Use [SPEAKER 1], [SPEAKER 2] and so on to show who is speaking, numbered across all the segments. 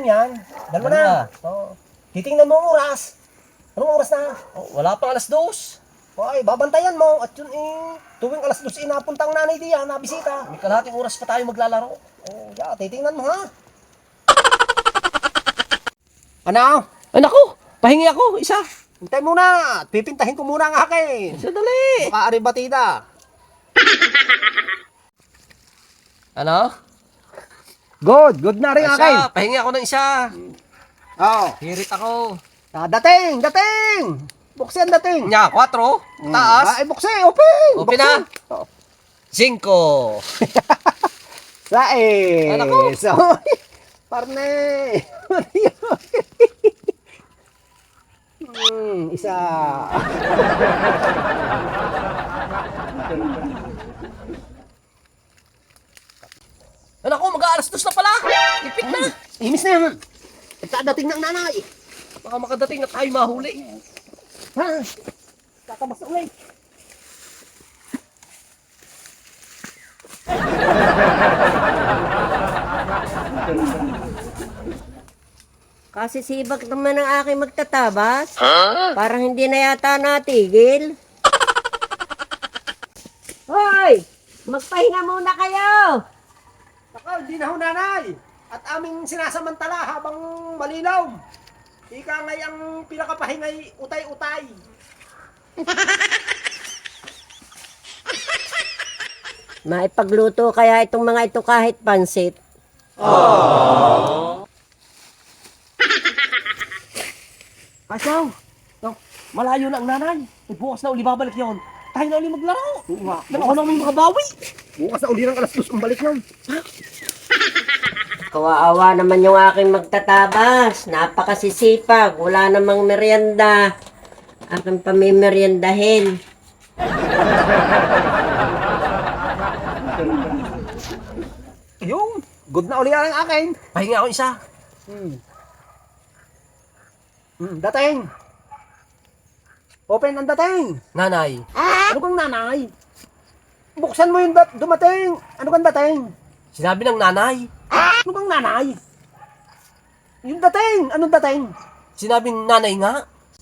[SPEAKER 1] yan. Dalawa na. Oh. Titingnan mo ang oras. Anong oras na?
[SPEAKER 2] Oh, wala pang 2:00.
[SPEAKER 1] Ay, babantayan mo. At yun tuwing 2:00 inapunta ang nanay diyan, nabisita.
[SPEAKER 2] May kalahating oras pa tayo maglalaro.
[SPEAKER 1] Oh, yeah, titingnan mo ha. Ano?
[SPEAKER 2] Ay naku, pahingi ako, isa.
[SPEAKER 1] Hintay muna. Pipintahin ko muna ang akin.
[SPEAKER 2] Sadali.
[SPEAKER 1] Baka ari batida.
[SPEAKER 2] Ano?
[SPEAKER 1] Good na rin
[SPEAKER 2] Ay,
[SPEAKER 1] akin.
[SPEAKER 2] isa, pahingi ako ng isa.
[SPEAKER 1] Oh.
[SPEAKER 2] Hirit ako.
[SPEAKER 1] Dating. Buksin dating.
[SPEAKER 2] Nya, 4. Taas.
[SPEAKER 1] Ay, buksin. Open.
[SPEAKER 2] Open na.
[SPEAKER 1] Oh.
[SPEAKER 2] 5.
[SPEAKER 1] Sae.
[SPEAKER 2] Anak ko.
[SPEAKER 1] So, parne. Isa.
[SPEAKER 2] Anak ko, mag-2 na pala. Ipit na.
[SPEAKER 1] Imis na yan. Dating ng nanay.
[SPEAKER 2] Baka makadating na tayo mahuli.
[SPEAKER 1] Ha? Tatabas ulit.
[SPEAKER 3] Kasi sibak naman ang aking magtatabas. Parang hindi na yata natigil. Hoy! Magpahinga muna kayo!
[SPEAKER 1] Saka, hindi na ho nanay. At aming sinasamantala habang malilaw. Ika ngay ang pinakapahingay utay-utay.
[SPEAKER 3] Maipagluto kaya itong mga ito kahit pansit.
[SPEAKER 2] Asaw. No, malayo na ang nanay. Bukas na uli babalik yun. Tayo na uli maglaro. Nang ako namin makabawi.
[SPEAKER 1] Bukas na uli ng 2:00 ang balik nun.
[SPEAKER 3] Kawaawa naman yung aking magtatabas. Napakasisipag. Wala namang merienda. Aking pamimeriendahin.
[SPEAKER 1] Yung, good na uli ang akin.
[SPEAKER 2] Pahingi ako isa.
[SPEAKER 1] Dating. Open ang dating.
[SPEAKER 2] Nanay.
[SPEAKER 1] Ano kang nanay? Buksan mo yung dumating. Ano kang dating?
[SPEAKER 2] Sinabi ng nanay.
[SPEAKER 1] Ano kang nanay? Yung dating. Anong dating?
[SPEAKER 2] Sinabi ng nanay nga.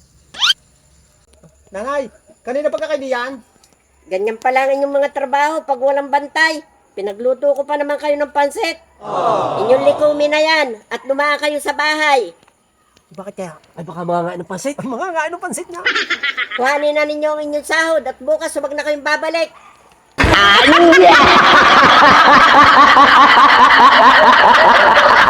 [SPEAKER 1] Nanay, kanina pagkakaibigan?
[SPEAKER 3] Ganyan pa lang inyong mga trabaho pag walang bantay. Pinagluto ko pa naman kayo ng pansit. Inyong likumin na yan at lumaan kayo sa bahay.
[SPEAKER 1] Bakit kaya?
[SPEAKER 2] Ay baka mga nga ng pansit.
[SPEAKER 1] Ay, mga nga, anong pansit niya?
[SPEAKER 3] Kuhanin na ninyo ang inyong sahod at bukas huwag na kayong babalik.
[SPEAKER 1] Ano